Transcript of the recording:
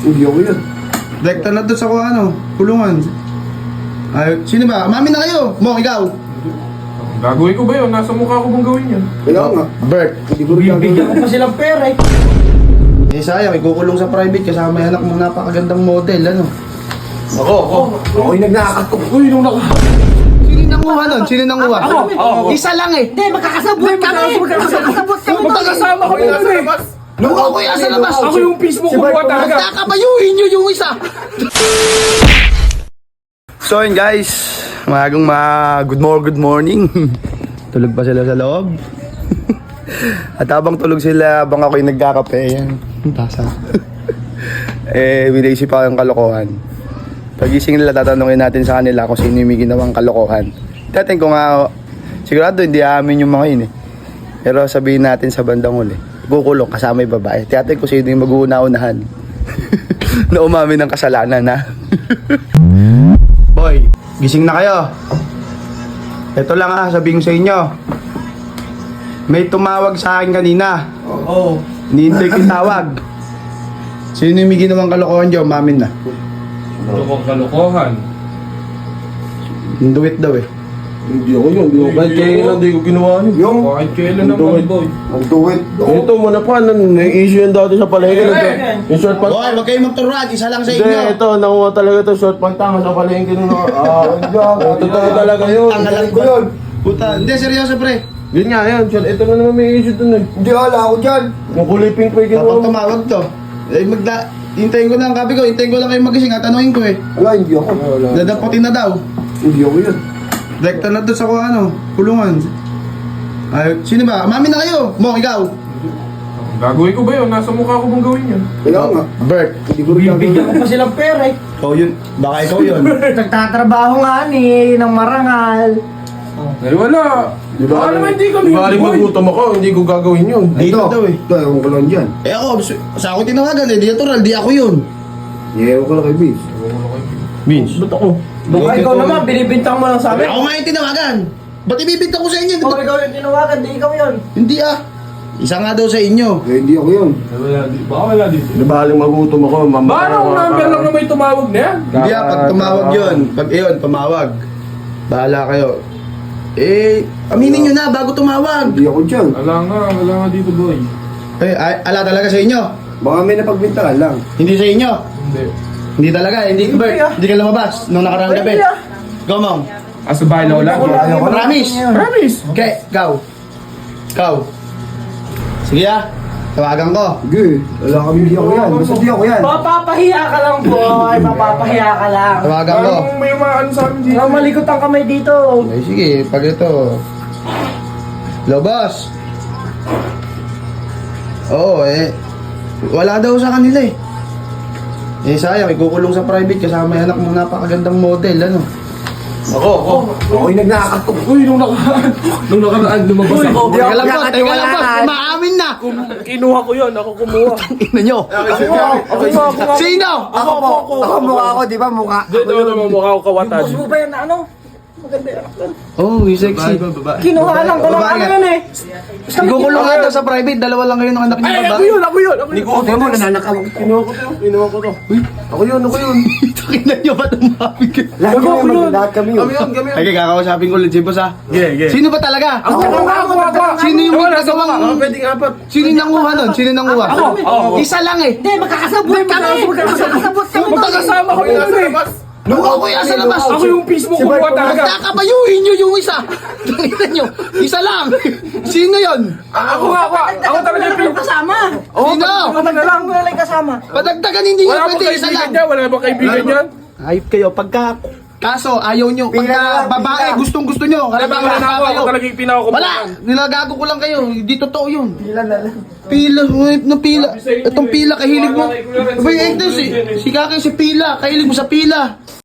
Hindi ako yun. Direkta na doon sa kung ano, kulungan. Ay, sino ba? Mami na kayo! Mo, ikaw! Gagawin ko ba yun? Nasa mukha ko bang gawin yun? Kaya nga. Bert. Hindi ko rin Bibigyan ko pa silang pera eh. Eh sayang, ikukulong sa private kasama yung anak mong napakagandang model, ano? Ako yung nagnakatok. Uy, nung naka... Sino yung nanguha nun? Sino yung nanguha? Ako. Isa lang eh! Hindi, magkakasabot kami! Magkakasabot kami! Magkakasama ko yun eh! Lukaw ko yan sa labas! Ako yung Facebook kumuha talaga! Kakabayuhin nyo yung isa! So yun guys, good morning. Tulog pa sila sa loob. At habang tulog sila, habang ako yung nagkakape, yan. Tasa. Binaisip ako yung kalokohan. Pagising nila, tatanungin natin sa kanila kung sino yung may ginawang kalokohan. Dating ko nga, sigurado hindi amin yung mga yun eh. Pero sabihin natin sa bandang huli, kukulong kasama yung babae. Tiyatin ko sino yung mag-uuna-unahan. Na umamin ng kasalanan ha. Boy, gising na kayo. Ito lang ha, sabihin ko sa inyo. May tumawag sa akin kanina. Oo. Nihintay ko yung tawag. Sino yung may ginawang kalokohan dyan? Umamin na. Kalokohan. Do it daw eh. Hindi ako yun. Kahit kailan hindi ko ginawa yun. Yung Kahit kailan naman, boy. magduwit. Ito muna pa. May issue yun dati sa palengke. Yung short pants. Boy, wag kayong magturuan. Isa lang sa Hindi, inyo. ito. Nakuha talaga ito. Short pants sa palengke. Totoo talaga yun. Tanggalan ko yun. Puta, hindi, seryoso pre. Yun nga yun. Ito na naman may issue dun eh. Hindi, wala ako dyan. Yung kulay pink pa yung Kapag ginawa mo. tumawag to, hintayin ko lang, kapi ko, hintayin ko lang kayo magising at tanungin ko eh. Wala, hindi ako. Dadapotin na daw. Hindi ako yun. Direkta na doon sa kung ano, kulungan. Ay, sino ba? Mami na kayo! Mo, ikaw! Gagawin ko ba yun? Nasa mukha ko bang gawin yun? Kaya nga. Bert. Hindi ko rin Bibigyan ko pa silang pera eh. Ikaw yun. Baka ikaw yun. Nagtatrabaho nga ni ng marangal. Eh wala. Baka naman hindi kami Di ba yun, boy. magutom ako, hindi ko gagawin yun. Dito daw eh. Ito, ewan ko lang dyan. Eh ako, sa ako tinawagan eh, di natural, di ako yun. Ewan ko lang kay Vince. Vince. Ba't ako? Baka ikaw naman, binibintang mo lang sa amin. Ako nga yung tinawagan. Ba't ibibigta ko sa inyo? Kung ikaw yung tinawagan, di ikaw yun. Hindi ah. Isa nga daw sa inyo. Eh, hindi ako yun. Baka wala dito. Di ba haling magutom ako, Paano ang number lang na may tumawag na yan? Hindi ah, pag tumawag yun. Pag yun, tumawag. Bahala kayo. Eh, aminin nyo na bago tumawag. Hindi ako dyan. Wala nga dito, boy. Eh, ala talaga sa inyo. Baka may napagbintangan lang. Hindi sa inyo. Hindi. Hindi talaga, hindi Bert. Hindi ka lumabas nung nakaraang gabi. Hindi ah. Go, Mom. Sa bahay na wala. Promise. Promise. Okay, ikaw. Ikaw. Sige ah. Tawagan ko. Sige, wala kami hindi ako yan. Basta di ako yan. Mapapahiya ka lang, boy. Mapapahiya ka lang. Tawagan ko. Parang may mga ano sa amin dito. Nang malikot ang kamay dito. Eh, sige, pag ito. Hello, boss. Oo, eh. Wala daw sa kanila eh. Eh, sayang, ikukulong sa private kasama yung anak mong napakagandang model, ano? Ako yung nagnakatok. Uy, nung nakaraan lumabas ako. Teka lang po, teka lang po, maamin na! Kinuha ko yun, ako kumuha. Ina nyo! Sino? Ako mukha ako, di ba mukha? Dito naman mukha ko kawatan. Boss mo ba yan na ano? Maganda yan. Oh, yung sexy. Kinuha lang ko lang Babae ano nga. yun eh. Ikukulong nga daw sa private, dalawa lang kayo ng anak niyo Ay, ba? ako yun. Ikaw mo, nananakaw. Kinuha ko to. Ako yun. Ina nyo ba tumapig kayo? Lahat kami yun. Okay, kakausapin ko ulit si boss ha. Yeah. Sino ba talaga? Ako. Sino yung may nagawang... Pwedeng apat. Sino yung nanguha nun? Sino yung nanguha? Ako. Isa lang eh. Hindi, magkakasabot kami. Magkakasabot kami. Magkakasama ko yun eh. Lukaw ko yan sa labas. Ako yung Facebook kumuha talaga. Kakabayuhin nyo yung isa. Tingnan nyo. Isa lang. Sino yon? Ako talaga yung Facebook. Kasama. Sino? Matagalang mo lang kasama. Padagdagan hindi nyo Wala bang pwede. Isa kaibigan lang. niya? Wala bang kaibigan niya? Ayop kayo. Kaso ayaw nyo. Pagka babae gustong gusto nyo. Wala bang wala na ako? Ako talaga yung pinakakumahan. Wala. Nilagago ko lang kayo. Hindi totoo yun. Pila na lang. Pila. No pila. Itong pila kahilig mo. Abay, ito si Kaki si Pila. Kahilig mo sa pila.